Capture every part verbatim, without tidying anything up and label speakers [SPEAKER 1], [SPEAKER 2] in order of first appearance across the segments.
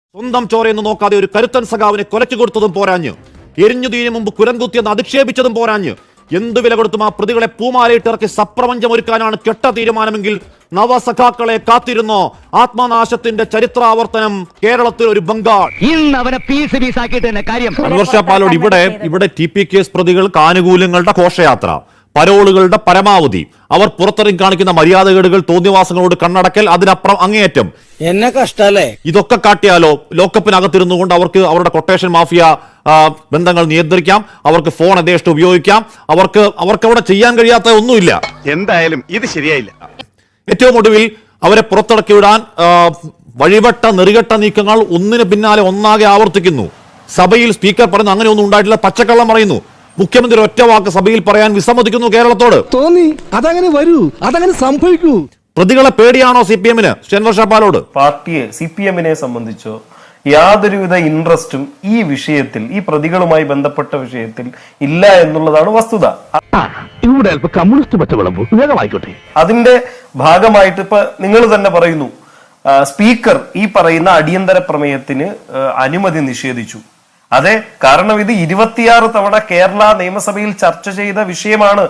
[SPEAKER 1] സ്വന്തം ചോരയെന്ന് നോക്കാതെ ഒരു കരുത്തൻ സഖാവിനെ കൊലച്ചു കൊടുത്തതും പോരാഞ്ഞ്, എരിഞ്ഞുതീന് മുമ്പ് കുരംകുത്തിയെന്ന് അധിക്ഷേപിച്ചതും പോരാഞ്ഞ്, എന്ത് വില കൊടുത്തും ആ പ്രതികളെ പൂമാലയിട്ടിറക്കി സപ്രപഞ്ചമൊരുക്കാനാണ് കെട്ട തീരുമാനമെങ്കിൽ നവസഖാക്കളെ കാത്തിരുന്നോ. ആത്മനാശത്തിന്റെ ചരിത്രാവർത്തനം കേരളത്തിൽ ഒരു ബംഗാൾ. അൻവർ ഷാ പാലോട് ഇവിടെ ഇവിടെ ടി പി കേസ് പ്രതികൾക്ക് ആനുകൂല്യങ്ങളുടെ ഘോഷയാത്ര, പരോളുകളുടെ പരമാവധി, അവർ പുറത്തിറങ്ങി കാണിക്കുന്ന മര്യാദകേടുകൾ, തോന്നിവാസങ്ങളോട് കണ്ണടക്കൽ, അതിനപ്പുറം അങ്ങേയറ്റം.
[SPEAKER 2] എന്നെ കഷ്ടല്ലേ
[SPEAKER 1] ഇതൊക്കെ കാട്ടിയാലോ ലോക്കപ്പിനകത്തിരുന്നു കൊണ്ട് അവർക്ക് അവരുടെ കൊട്ടേഷൻ മാഫിയ ബന്ധങ്ങൾ നിയന്ത്രിക്കാം, അവർക്ക് ഫോൺ യഥേഷ്ടം ഉപയോഗിക്കാം, അവർക്ക് അവർക്ക് അവിടെ ചെയ്യാൻ കഴിയാത്ത ഒന്നുമില്ല.
[SPEAKER 3] എന്തായാലും ഇത് ശരിയായില്ല.
[SPEAKER 1] ഏറ്റവും ഒടുവിൽ അവരെ പുറത്തിറക്കി വിടാൻ വഴിവട്ട നെറികെട്ട നീക്കങ്ങൾ ഒന്നിന് പിന്നാലെ ഒന്നാകെ ആവർത്തിക്കുന്നു. സഭയിൽ സ്പീക്കർ പറയുന്നു അങ്ങനെ ഒന്നും ഉണ്ടായിട്ടില്ല, പച്ചക്കള്ളം പറയുന്നു. മുഖ്യമന്ത്രി ഒറ്റ വാക്ക് സഭയിൽ പറയാൻ വിസമ്മതിക്കുന്നു കേരളത്തോട്.
[SPEAKER 4] തോന്നി അതങ്ങനെ വരൂ, അതങ്ങനെ സംഭവിക്കൂ.
[SPEAKER 1] പ്രതികളെ പേടിയാണോ സി പി എമ്മിന്? അൻവർ ഷാ പാലോട്
[SPEAKER 5] പാർട്ടിയെ സി പി എമ്മിനെ സംബന്ധിച്ചോ യാതൊരുവിധ ഇൻട്രസ്റ്റും ഈ വിഷയത്തിൽ, ഈ പ്രതികളുമായി ബന്ധപ്പെട്ട വിഷയത്തിൽ ഇല്ല എന്നുള്ളതാണ് വസ്തുത. അതിന്റെ ഭാഗമായിട്ട് ഇപ്പൊ നിങ്ങൾ തന്നെ പറയുന്നു, സ്പീക്കർ ഈ പറയുന്ന അടിയന്തര പ്രമേയത്തിന് അനുമതി നിഷേധിച്ചു. അതെ, കാരണം ഇത് ഇരുപത്തിയാറ് തവണ കേരള നിയമസഭയിൽ ചർച്ച ചെയ്ത വിഷയമാണ്.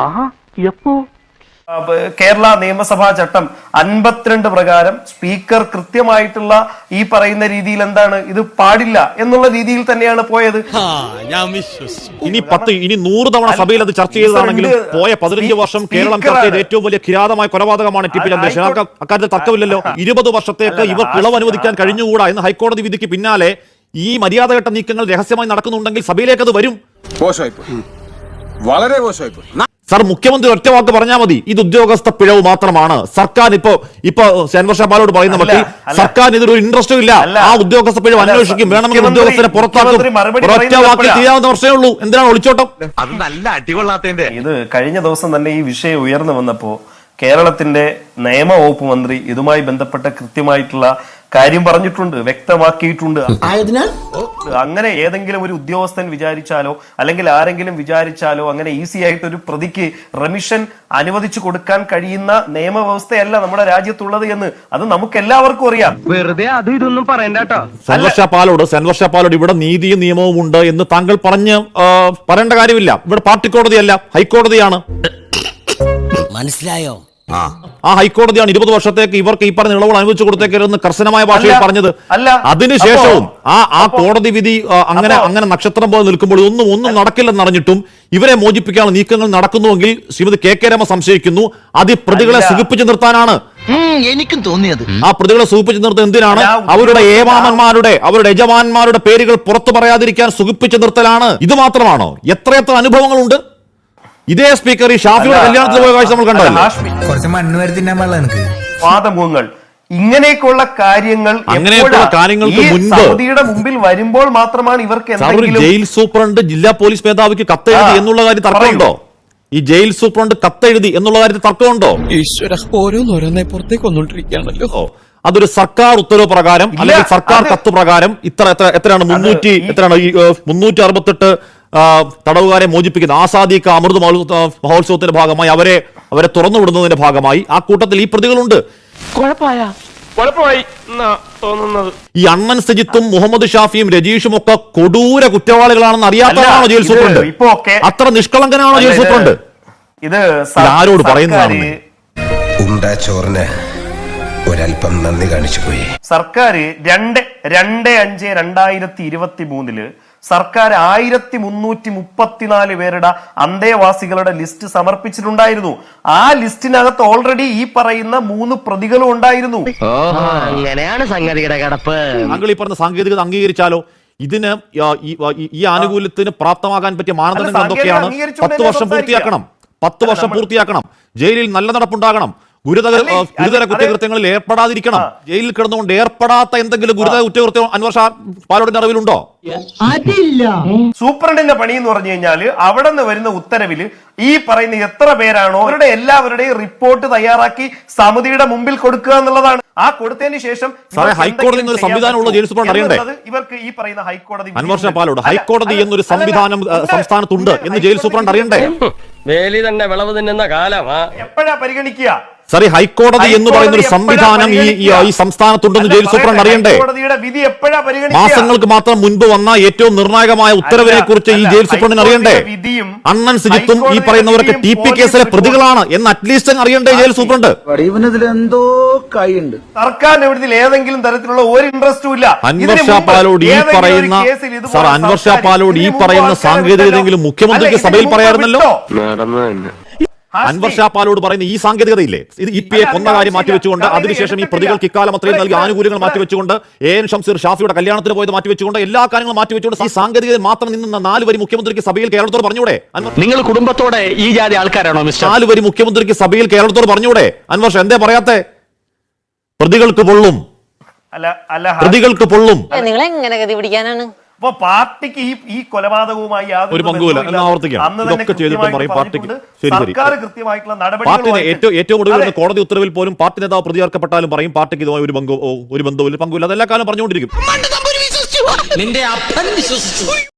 [SPEAKER 5] കേരള നിയമസഭാ ചട്ടം അൻപത്തിരണ്ട് പ്രകാരം സ്പീക്കർ കൃത്യമായിട്ടുള്ള ഈ പറയുന്ന രീതിയിൽ എന്താണ് ഇത് പാടില്ല എന്നുള്ള രീതിയിൽ തന്നെയാണ് പോയത്.
[SPEAKER 1] ഇനി പത്ത് ഇനി നൂറ് തവണ സഭയിൽ അത് ചർച്ച ചെയ്തതാണെങ്കിലും പോയ പതിനഞ്ച് വർഷം കേരളം ചർച്ച ചെയ്ത ഏറ്റവും വലിയ കിരാതമായ കൊലപാതകമാണ് ടി പി ചന്ദ്രശേഖരൻ. അക്കാര്യത്തിൽ തർക്കമില്ലല്ലോ. ഇരുപത് വർഷത്തേക്ക് ഇവർ ഇളവ് അനുവദിക്കാൻ കഴിഞ്ഞുകൂടാ എന്ന് ഹൈക്കോടതി വിധിക്ക് പിന്നാലെ ഈ മര്യാദഘട്ട നീക്കങ്ങൾ രഹസ്യമായി നടക്കുന്നുണ്ടെങ്കിൽ സഭയിലേക്ക് അത് വരും.
[SPEAKER 3] വളരെ മോശമായി.
[SPEAKER 1] സർ, മുഖ്യമന്ത്രി ഒറ്റ വാക്ക് പറഞ്ഞാൽ മതി, ഇത് ഉദ്യോഗസ്ഥ പിഴവ് മാത്രമാണ്. സർക്കാർ ഇപ്പോ ഇപ്പൊ അൻവർ ഷാ പാലോട് പറയുന്ന മട്ടിൽ സർക്കാർ ഇതൊരു ഇൻട്രസ്റ്റും ഇല്ല, ആ ഉദ്യോഗസ്ഥ പിഴവ് അന്വേഷിക്കും, വേണമെങ്കിൽ ഉദ്യോഗസ്ഥരെ പുറത്താക്കും. ഒറ്റ വാക്കിൽ ചെയ്യാവുന്ന പ്രശ്നമേ ഉള്ളൂ. എന്തിനാണ് ഒളിച്ചോട്ടം?
[SPEAKER 3] അത് നല്ല അടികൊള്ളാത്തതിന്റെ.
[SPEAKER 5] ഇത് കഴിഞ്ഞ ദിവസം തന്നെ ഈ വിഷയം ഉയർന്നു വന്നപ്പോ കേരളത്തിന്റെ നിയമവകുപ്പ് മന്ത്രി ഇതുമായി ബന്ധപ്പെട്ട കൃത്യമായിട്ടുള്ള കാര്യം പറഞ്ഞിട്ടുണ്ട്, വ്യക്തമാക്കിയിട്ടുണ്ട്. അങ്ങനെ ഏതെങ്കിലും ഒരു ഉദ്യോഗസ്ഥൻ വിചാരിച്ചാലോ അല്ലെങ്കിൽ ആരെങ്കിലും വിചാരിച്ചാലോ അങ്ങനെ ഈസി ആയിട്ട് ഒരു പ്രതിക്ക് റെമിഷൻ അനുവദിച്ചു കൊടുക്കാൻ കഴിയുന്ന നിയമവ്യവസ്ഥയല്ല നമ്മുടെ രാജ്യത്തുള്ളത് എന്ന് അത് നമുക്ക് എല്ലാവർക്കും അറിയാം.
[SPEAKER 2] വെറുതെ അത് ഇതൊന്നും പറയണ്ടോ.
[SPEAKER 1] അൻവർ ഷാ പാലോട് അൻവർ ഷാ പാലോട് ഇവിടെ നീതിയും നിയമവും ഉണ്ട് എന്ന് താങ്കൾ പറഞ്ഞ് പറയേണ്ട കാര്യമില്ല. ഇവിടെ പാർട്ടി കോടതിയല്ല, ഹൈക്കോടതിയാണ്.
[SPEAKER 2] മനസ്സിലായോ?
[SPEAKER 1] ആ ഹൈക്കോടതിയാണ് ഇരുപത് വർഷത്തേക്ക് ഇവർക്ക് ഈ പറഞ്ഞ ഇളവുകൾ അനുവദിച്ചു കൊടുത്തേക്കരുതെന്ന് കർശനമായ ഭാഷയിൽ പറഞ്ഞത്. അതിനുശേഷവും ആ ആ കോടതി വിധി അങ്ങനെ അങ്ങനെ നക്ഷത്രം പോലെ നിൽക്കുമ്പോൾ ഒന്നും ഒന്നും നടക്കില്ലെന്ന് അറിഞ്ഞിട്ടും ഇവരെ മോചിപ്പിക്കാനുള്ള നീക്കങ്ങൾ നടക്കുന്നുവെങ്കിൽ ശ്രീമതി കെ കെ രമ സംശയിക്കുന്നു അത് പ്രതികളെ സുഖിപ്പിച്ചു നിർത്താനാണ്.
[SPEAKER 2] എനിക്കും തോന്നിയത്
[SPEAKER 1] ആ പ്രതികളെ സുഖിപ്പിച്ചു നിർത്തുന്നത് എന്തിനാണ്? അവരുടെ ഏമാമന്മാരുടെ അവരുടെ യജമാന്മാരുടെ പേരുകൾ പുറത്തു പറയാതിരിക്കാൻ സുഖിപ്പിച്ചു നിർത്തലാണ്. ഇത് മാത്രമാണോ? എത്രയെത്ര അനുഭവങ്ങളുണ്ട്. ഇതേ സ്പീക്കർ ഈ ഷാഫിയുടെ കല്യാണത്തിൽ പോയ കാഴ്ച നമ്മൾ കണ്ടല്ലോ.
[SPEAKER 5] വാദമുഖങ്ങൾ ഇങ്ങനെയൊക്കെയുള്ള കാര്യങ്ങൾ
[SPEAKER 1] അങ്ങനെയൊക്കെയുള്ള കാര്യങ്ങൾക്ക് മുൻപ്
[SPEAKER 5] സൗദിയുടെ മുമ്പിൽ വരുമ്പോൾ മാത്രമാണ് ഇവർക്ക്
[SPEAKER 1] ജയിൽ സൂപ്രണ്ട് ജില്ലാ പോലീസ് മേധാവിക്ക് കത്തെഴുതി എന്നുള്ള കാര്യം തർക്കമുണ്ടോ? ഈ ജയിൽ സൂപ്രണ്ട് കത്തെഴുതി എന്നുള്ള കാര്യത്തിൽ തർക്കമുണ്ടോ?
[SPEAKER 4] ഈശ്വര, ഓരോന്നോരോന്നെ പുറത്തേക്ക് വന്നോണ്ടിരിക്കുകയാണല്ലോ.
[SPEAKER 1] അതൊരു സർക്കാർ ഉത്തരവ് പ്രകാരം അല്ലെങ്കിൽ സർക്കാർ കത്ത് പ്രകാരം ഇത്ര എത്ര എത്രയാണ് മുന്നൂറ്റി എത്രയാണ് ഈ മുന്നൂറ്റി അറുപത്തെട്ട് തടവുകാരെ മോചിപ്പിക്കുന്ന ആസാദിക്ക അമൃത് മഹോത്സവത്തിന്റെ ഭാഗമായി അവരെ അവരെ തുറന്നുവിടുന്നതിന്റെ ഭാഗമായി ആ കൂട്ടത്തിൽ ഈ പ്രതികളുണ്ട്. ഈ അണ്ണൻ സജിത്തും മുഹമ്മദ് ഷാഫിയും രജീഷും ഒക്കെ കൊടൂര കുറ്റവാളികളാണെന്ന് അറിയാത്തതാണോ ജയിൽ സൂപ്രണ്ട്? അത്ര നിഷ്കളങ്കനാണോ ജയിൽ സൂപ്രണ്ട്?
[SPEAKER 5] ഇത്
[SPEAKER 1] ആരോട് പറയുന്നതാണ്?
[SPEAKER 6] ചോറിന് ഒരൽപ്പം നന്ദി കാണിച്ചു പോയി.
[SPEAKER 5] സർക്കാർ രണ്ട് രണ്ട് അഞ്ച് രണ്ടായിരത്തി ഇരുപത്തി മൂന്നില് സർക്കാർ ആയിരത്തി മുന്നൂറ്റി മുപ്പത്തിനാല് പേരുടെ അന്തേവാസികളുടെ ലിസ്റ്റ് സമർപ്പിച്ചിട്ടുണ്ടായിരുന്നു. ആ ലിസ്റ്റിനകത്ത് ഓൾറെഡി ഈ പറയുന്ന മൂന്ന് പ്രതികളും ഉണ്ടായിരുന്നു.
[SPEAKER 2] അങ്ങനെയാണ് സംഗതിയുടെ കിടപ്പ്.
[SPEAKER 1] താങ്കൾ ഈ പറഞ്ഞ സാങ്കേതികത അംഗീകരിച്ചാലോ ഇതിന് ഈ ആനുകൂല്യത്തിന് പ്രാപ്തമാകാൻ പറ്റിയ മാനദണ്ഡങ്ങൾ എന്തൊക്കെയാണ്? പത്ത് വർഷം പൂർത്തിയാക്കണം, പത്ത് വർഷം പൂർത്തിയാക്കണം, ജയിലിൽ നല്ല നടപ്പുണ്ടാകണം, ഗുരുതര ഗുരുതര കുറ്റകൃത്യങ്ങളിൽ ഏർപ്പെടാതിരിക്കണം. ജയിലിൽ കിടന്നുകൊണ്ട് ഏർപ്പെടാത്ത എന്തെങ്കിലും ഗുരുതര കുറ്റകൃത്യം അൻവർ ഷാ പാലോടിന്റെ അറിവിലുണ്ടോ?
[SPEAKER 5] സൂപ്രണ്ടിന്റെ പണി എന്ന് പറഞ്ഞു കഴിഞ്ഞാൽ അവിടെ നിന്ന് വരുന്ന ഉത്തരവില് ഈ പറയുന്ന എത്ര പേരാണോ അവരുടെ എല്ലാവരുടെയും റിപ്പോർട്ട് തയ്യാറാക്കി സമിതിയുടെ മുമ്പിൽ കൊടുക്കുക എന്നുള്ളതാണ്. ആ കൊടുത്തതിന് ശേഷം
[SPEAKER 1] ഹൈക്കോടതി എന്നൊരു സംവിധാനമുള്ള ജയിൽ സൂപ്രണ്ട് അറിയണ്ടേ?
[SPEAKER 5] ഇവർക്ക് ഈ പറയുന്ന ഹൈക്കോടതി
[SPEAKER 1] അൻവർ ഷാ പാലോട് ഹൈക്കോടതി എന്നൊരു സംവിധാനം സംസ്ഥാനത്തുണ്ട് എന്ന് ജയിൽ സൂപ്രണ്ട് അറിയണ്ടേ?
[SPEAKER 7] വേലി തന്നെ വിളവ് തിന്നുന്ന കാലമാ.
[SPEAKER 5] എപ്പോഴാ പരിഗണിക്കുക?
[SPEAKER 1] സാറി ഹൈക്കോടതി എന്ന് പറയുന്ന ഒരു സംവിധാനം ഈ ഈ- ഈ സംസ്ഥാനത്തുണ്ടെന്ന് ജയിൽ സൂപ്രണ്ട് അറിയണ്ടേ?
[SPEAKER 5] ഹൈക്കോടതിയുടെ വിധി എപ്പോഴാ പരിഗണിക്കുക?
[SPEAKER 1] മാസങ്ങൾക്ക് മാത്രം മുൻപ് വന്ന ഏറ്റവും നിർണായകമായ ഉത്തരവിനെ കുറിച്ച് ഈ ജയിൽ സൂപ്രണ്ടിന് അറിയണ്ടേ? അണ്ണൻ സിജിത്തും ഈ പറയുന്നവരൊക്കെ ടി പി കേസിലെ പ്രതികളാണ് എന്ന് അറ്റ്ലീസ്റ്റ് അറിയണ്ടേ ജയിൽ സൂപ്രണ്ട്?
[SPEAKER 7] ഇവനതിലെന്തോ കൈയുണ്ട്.
[SPEAKER 5] സർക്കാരിന്റെ വിധത്തിൽ ഏതെങ്കിലും തരത്തിലുള്ള ഒരു ഇൻട്രസ്റ്റും ഇല്ല.
[SPEAKER 1] അൻവർ ഷാ പാലോട് ഈ പറയുന്ന സാർ അൻവർ ഷാ പാലോട് ഈ പറയുന്ന സാങ്കേതികതയെങ്കിലും മുഖ്യമന്ത്രിക്ക് സഭയിൽ പറയാറുണ്ടല്ലോ. അൻവർ ഷാ പാലോട് പറയുന്ന ഈ സാങ്കേതികതയില്ലേ, ഇത് ഇ പി എ കൊന്ന കാര്യം മാറ്റിവെച്ചുകൊണ്ട് അതിനുശേഷം ഈ പ്രതികൾക്ക് ഇക്കാലം അത്രയും നൽകിയ ആനുകൂല്യങ്ങൾ മാറ്റിവെച്ചുകൊണ്ട് എ എൻ ഷംസീർ ഷാഫിയുടെ കല്യാണത്തിന് പോയത് മാറ്റിവെച്ചുകൊണ്ട് എല്ലാ കാര്യങ്ങളും മാറ്റിവെച്ചുകൊണ്ട് ഈ സാങ്കേതികത മാത്രം നിന്ന നാല് വരി മുഖ്യമന്ത്രിക്ക് സഭയിൽ കേരളത്തോട് പറഞ്ഞൂടെ?
[SPEAKER 2] നിങ്ങൾ കുടുംബത്തോടെ ഈ ജാതി ആൾക്കാരാണോ മിസ്റ്റർ?
[SPEAKER 1] നാല് വരി മുഖ്യമന്ത്രിക്ക് സഭയിൽ കേരളത്തോട് പറഞ്ഞൂടെ? അൻവർ ഷാ എന്തേ പറയാത്തെ? പ്രതികൾക്ക് പൊള്ളും,
[SPEAKER 5] അല്ല അല്ല
[SPEAKER 1] പ്രതികൾക്ക് പൊള്ളും.
[SPEAKER 8] നിങ്ങൾ എങ്ങനെ ഗതി പിടിക്കാനാണ്?
[SPEAKER 5] അപ്പൊ പാർട്ടിക്ക് ഈ ഈ കൊലപാതകവുമായി യാതൊരു
[SPEAKER 1] ഒരു പങ്കുമില്ല
[SPEAKER 5] ബന്ധവുമില്ല.
[SPEAKER 1] എന്ന് ആവർത്തിക്കാം.
[SPEAKER 5] അന്ന് തന്നെ
[SPEAKER 1] ഇതൊക്കെ ചെയ്തിട്ട്
[SPEAKER 5] കൃത്യമായിട്ട്
[SPEAKER 1] പറയും പാർട്ടിക്ക്
[SPEAKER 5] പറഞ്ഞിട്ടുണ്ട്.
[SPEAKER 1] ശരി ശരി
[SPEAKER 5] സർക്കാർ കൃത്യമായിട്ടുള്ള
[SPEAKER 1] പാർട്ടിന്
[SPEAKER 5] നടപടികളുമായിട്ട്
[SPEAKER 1] ഏറ്റവും ഏറ്റവും ഒടുവിൽ
[SPEAKER 5] അതെ.
[SPEAKER 1] വരുന്ന കോടതി ഉത്തരവിൽ പോലും പാർട്ടി നേതാവ് പ്രതി ചേർക്കപ്പെട്ടാലും പറയും പാർട്ടിക്ക് ഇതുമായി ഒരു ബന്ധവും ഒരു ബന്ധവും പങ്കുമില്ല. അതെല്ലാ കാലം പറഞ്ഞുകൊണ്ടിരിക്കും.
[SPEAKER 2] നിന്റെ അപ്പൻ വിശ്വസിച്ചു.